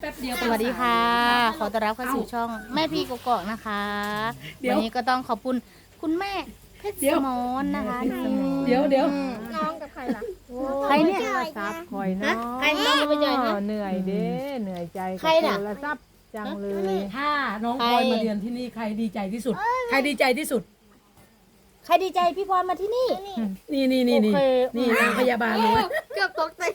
ป๊บเดียวสวัสดีค่ะ ขอต้อนรับเข้าสู่ช่องแม่พี่กกอกนะคะวันนี้ก็ต้องขอบคุณคุณแม่เพชรสมรนะคะเดี๋ยวน้องกับใครล่ะใครเนี่ยซับคอยเนาะใครน้องจะไปเจอนะเหนื่อยเด้เหนื่อยใจกับใครน่ะโทรศัพท์จังเลยถ้าน้องพลอยมาเรียนที่นี่ใครดีใจที่สุด ใครดีใจที่สุดใครดีใจพี่พรมาที่นี่นี่โอเคนี่นางพยาบาลเลยเกือบตกใจ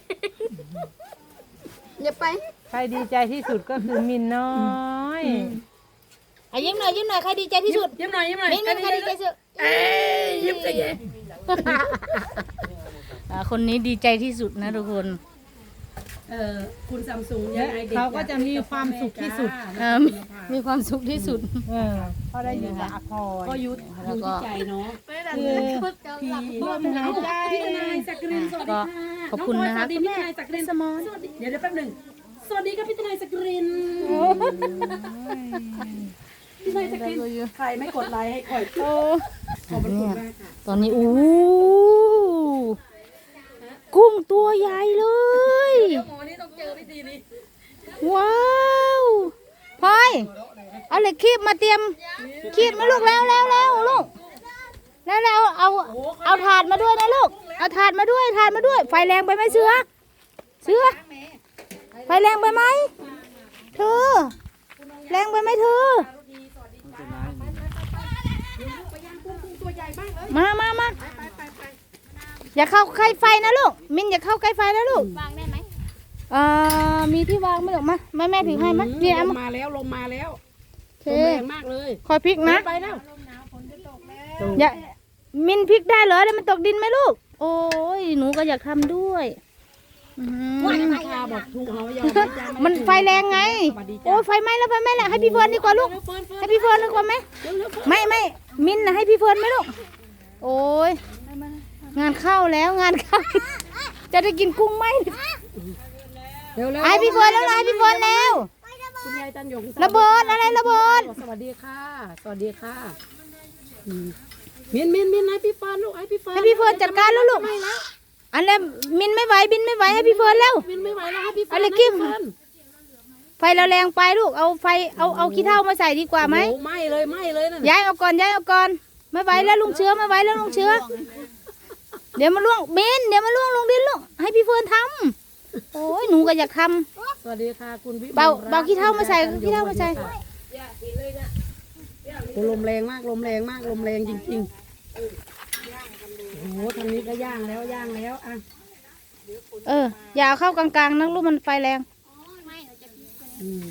อย่าไปใครดีใจที่สุดก็คือมินน้อยอ่ะยิ้มหน่อยใครดีใจที่สุดยิ้มหน่อยมิ้นใครดีใจที่สุดเอ้ยยิ้มใจเย็นคนนี้ดีใจที่สุดนะทุกคนคุณซัมซุงยังไงเด็กเขาก็จะมีความสุขที่สุดมีความสุขที่สุดเพราะได้อยู่กับอาพรก็ยุดอยู่ที่ใจเนาะคือพี่ลมหายใจพี่ทนายสักกรินสวัสดีค่ะขอบคุณนะคะสวัสดีพี่ทนายสักกรินสวัสดีเดี๋ยวแป๊บหนึ่งสวัสดีครับพี่ทนายสักกรินพี่ทนายสักกรินใครไม่กดไลค์ให้คอยขอบคุณมากค่ะตอนนี้กุ้งตัวใหญ่เลยเดี๋ยวหมอนี่ต้องเจอวิธีนี้ว้าวพลอยเอาเหล็กคีบมาเตรียมคีบมาลูกแล้วลูกแล้วเอาถาดมาด้วยนะลูกเอาถาดมาด้วยไฟแรงไปไหมเสือไฟแรงไปไหมเธอแรงไปไหมเธอมาอย่าเข้าใกล้ไฟนะลูกมินอย่าเข้าใกล้ไฟนะลูกวางได้ไหมมีที่วางไหมลูกมาแม่ถือให้มั้ยเนี่ยเอาลมามมาแล้วลมมาแล้วโอเคลมแรงมากเลยคอยพลิกนะไปแล้วอย่ามินพลิกได้เหรอแล้วมันตกดินไหมลูกโอ้ยหนูก็อยากทำด้วยอื้อหือพาบอกถูกเขายอมมันไฟแรงไงโอ้ยไฟไหม้แล้วให้พี่เฟิร์นดีกว่าลูกให้พี่เฟิร์นดีกว่าไหมไม่มินนะให้พี่เฟิร์นไหมลูกโอ้ยงานเข้าแล้วจะได้กินกุ้งไหมเร็วให้พี่เฟิร์นแล้วให้พี่เฟิร์นแล้วคุณยายจันยงระเบิดอะไรระเบิดสวัสดีค่ะมินให้พี่เฟิร์นลูกให้พี่เฟิร์นให้พี่เฟิร์นจัดการแล้วลูกอันนี้มินไม่ไหวบินไม่ไหวให้พี่เฟิร์นแล้วมินไม่ไหวแล้วให้พี่เฟิร์นอะไรกิ้ม ไฟเราแรงไปลูกเอาไฟเอาขี้เถ้ามาใส่ดีกว่าไหมโอ้ไม่เลยนั่นย้ายเอาก่อนไม่ไหวแล้วลุงเชื้อเดี๋ยวมาล่วงเบนเดี๋ยวมาล่วงลงดินลูกให้พี่เฟิร์นทำโอ้ยหนูก็อยากทสวัสดีค่ะคุณวิำเบาขี้เถ้ามาใส่โอ้ลมแรงมากลมแรงจริงๆโอ้โหทางนี้ก็ย่างแล้วอ่ะอย่าเอาเข้ากลางๆนะลูกมันไฟแรงอืม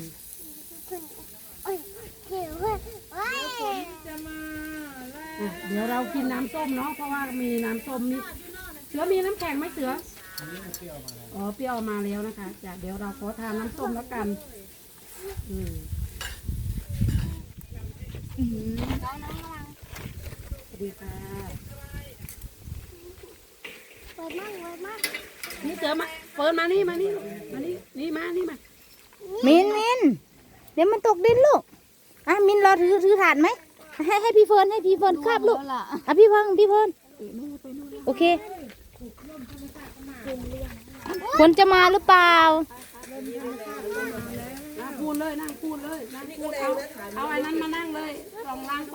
เดี๋ยวเรากินน้ำส้มเนาะเพราะว่ามีน้ำส้มมีเสือมีน้ำแข็งไหมเสืออ๋อเปรี้ยวมาแล้วนะคะเดี๋ยวเราขอทานน้ำส้มแล้วกันสวัสดีค่ะนี่เสือมาเปิดมานี่ลูกมานี่นี่มามินเดี๋ยวมันตกดินลูกมินรอถือถาดไหมให้พี่เฟิร์นคาบลูกพี่เฟิร์นโอเคฝนจะมาหรือเปล่านั่งพูดเลยเอาไอ้นั้นมานั่งเลยปองล้าง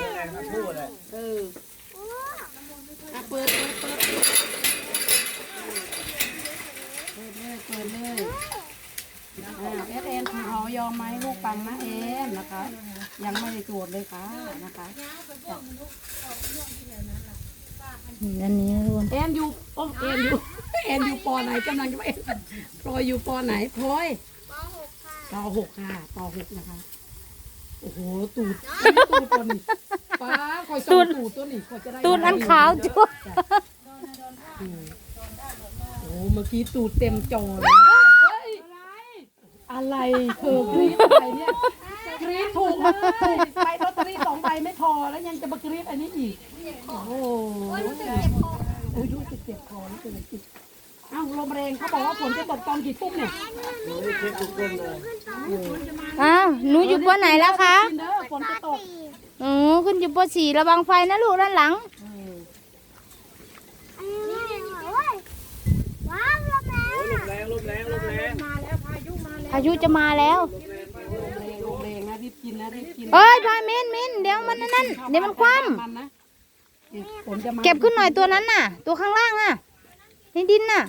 เปิดเลยเอ็นคุณเขายอมไหมลูกปังนะเอ็นนะคะ ยังไม่ได้ตรวจเลยค่ะนะคะอันนี้ทุกคนเอ็นอยู่ปอไหนกำลังจะเอ็นพลอยอยู่ปอไหนพลอยป.6 ค่ะป.6นะคะโอ้โหตูดตัวนี้ป้าคอยส่องตูดตัวนี้คอยจะได้ตูดอันขาวจ้วโอ้เมื่อกี้ตูดเต็มจอเลยอะไรเธอกรี๊ดอะไรเนี่ยกรี๊ดถูกเลยไปลอตเตอรี่2 ใบไม่พอแล้วยังจะมากรี๊ดอันนี้อีกโอ้โหรู้สึกเจ็บคอรู้สึกจิตอ้าวลมแรงเขาบอกว่าฝนจะตกตอนกี่ทุ่มเนี่ยหนูอยู่ปไหนแล้วคะเด้อฝนจะตกขึ้นอยู่ป.4ระวังไฟนะลูกด้านหลังว้าวลมแรงมาแล้วพายุมาแล้วพายุจะมาแล้วลงแรงนะรีบกินนะรีบกินเอ้ยพายมินเดี๋ยวมันนั่นเดี๋ยวมันคว่มันนะฝนจะมาำเก็บขึ้นหน่อยตัวนั้นน่ะ ตัวข้างล่างน่ะในดินน่ะ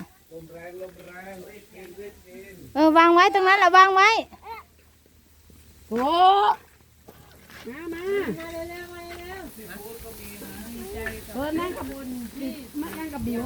วางไว้ตรงนั้นแหละวางไว้โอ้มานั่งกับบุญมานั่งกับบิว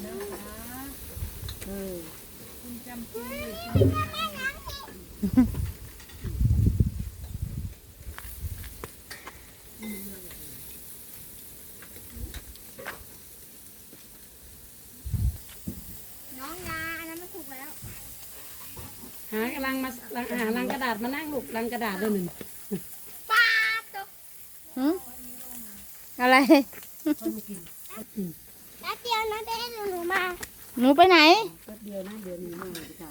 น้องยาอันนั้นมันถูกแล้วหาลังกระดาษมานั่งลูกลังกระดาษด้วยหนึ่งป้าตกหืมอะไรแล้วเดียวนะได้หนูมาหนูไปไหนแป๊บเดียวนะเดี๋ยวนี้มาเลยค่ะ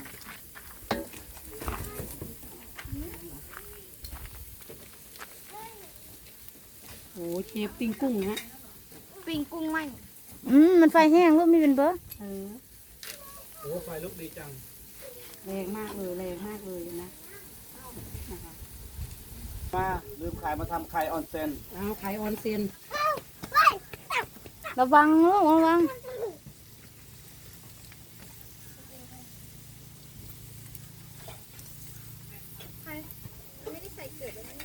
โอ้เชฟปิ้งกุ้งนะปิ่งกุ้งไหมมันไฟแห้งลูกไม่เป็นเบอร์โอ้ไฟลุกดีจังแรงมากเลยนะมาลืมขายมาทำไข่ออนเซนเอาไข่ออนเซียนระวังลูกระวังไม่ได้ใส่เกลือเลยนะ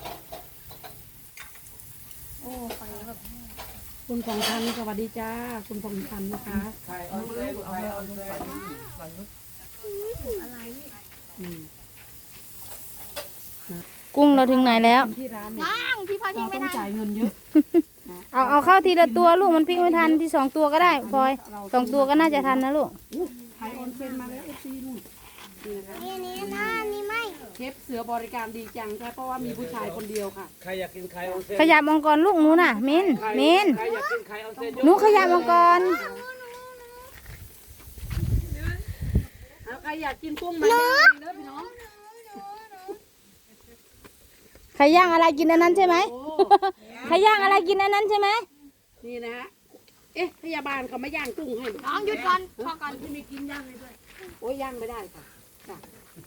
โอ้ฝั่งนี้แบบคุณของทันสวัสดีจ้าคุณของทันนะคะไข่ออนเซนไข่ออนเซนอะไรอืมกุ้งเราถึงไหนแล้วที่ร้านเนี่ยว่างพี่พอทิ้เรางไม่ต้องได้จ่ายเงินเยอะเอาเข้าทีละตัวลูกมันพลิกไม่ทันที่2 ตัวก็ได้พลอย2 ตัวก็น่าจะทันนะลูกไข่ออนเซนมาแล้วเอฟซีนู่นนี่นะคะนี่นะนี่ไม่เชฟเสือบริการดีจังค่ะเพราะว่ามีผู้ชายคนเดียวค่ะใครอยากกินไข่ออนเซนขยับมังกรลูกหนูน่ะมินใครอยากกินไข่ออนเซนหนูขยับมังกรเอาใครอยากกินกุ้งมาย่างเด้อพี่น้องใครย่างอะไรกินอันนั้นใช่ไหมโอ้ใครย่างอะไรกินอันนั้นใช่ไหมนี่นะฮะเอ๊ะพยาบาลเขาไม่ย่างกุ้งให้เหรอน้องหยุดก่อนพอก่อนที่ไม่กินย่างเลยด้วยโอ้ยย่างไม่ได้ค่ะจ้ะ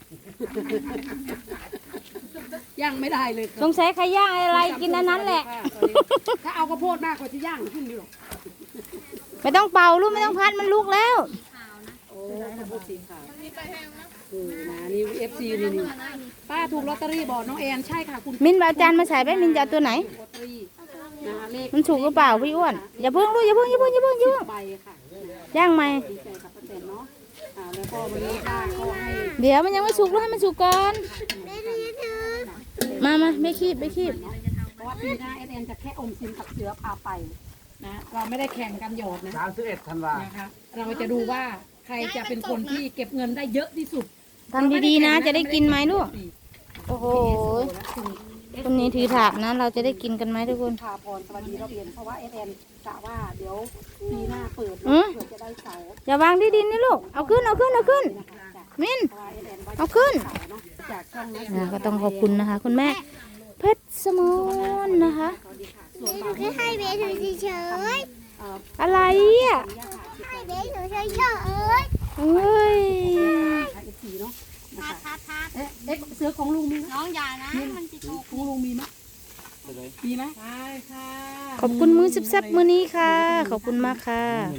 ย่างไม่ได้เลยสงสัยใครย่างอะไรกินอันนั้นแหละถ้าเอากระโพดมากกว่าจะย่างขึ้นอยู่หรอกไม่ต้องเป่าลูกไม่ต้องพัดมันลุกแล้วโอ้กระโพดสีขาวนะนี่เอฟซีนี่ป้าถูกลอตเตอรี่บอกน้องแอนใช่ค่ะคุณมินเอาจานมาใส่ไปมินจะเอาตัวไหนลอตเตอรี่นะคะเลขมันถูกหรือเปล่าพี่อ้วนอย่าเพิ่งลูกอย่าเพิ่งใบค่ะย่างไหมดีใจกับป้าแตนเนาะแล้วก็วันนี้ป้าก็ให้เดี๋ยวมันยังไม่สุกลูกให้มันสุกก่อนไม่ได้ถือมาไม่คีบเพราะว่าปีหน้าแอนจะแค่อมสินกับเสือพาไปนะเราไม่ได้แข่งกันหยอดนะ 31 ธันวานะคะเราจะดูว่าใครจะเป็นคนที่เก็บเงินได้เยอะที่สุดทำดีๆนะจะได้กินไหมลูกโอ้โหคนนี้ถือถาดนะ เราจะได้กินกันไหมทุกคนพาพรสวัสดีเราเรียนเพราะว่าแอนกะว่าเดี๋ยวปีหน้าเปิดอืมเผื่อจะได้เสาอย่าวางที่ดินนี่ลูกเอาขึ้นมินเพราะว่าแอนว่าเอาขึ้นเสาเนาะจากช่องนั้นก็ต้องขอบคุณนะคะ คุณแม่เพชรสมนนะคะสวัสดีค่ะส่วนหบานูงแค่ให้เบสหนูเฉยอะไรอ่ะๆให้เบสหนูเฉยเอ้ยไอซีเนาะๆนะทัคะดเอ๊ะเสือของลุงมีไหมน้องอย่านะมันจะตกของลุงมีไหมมีไหมขอบคุณมือแซ่บๆมือนี้ค่ะ ขอบคุณมากค่ะ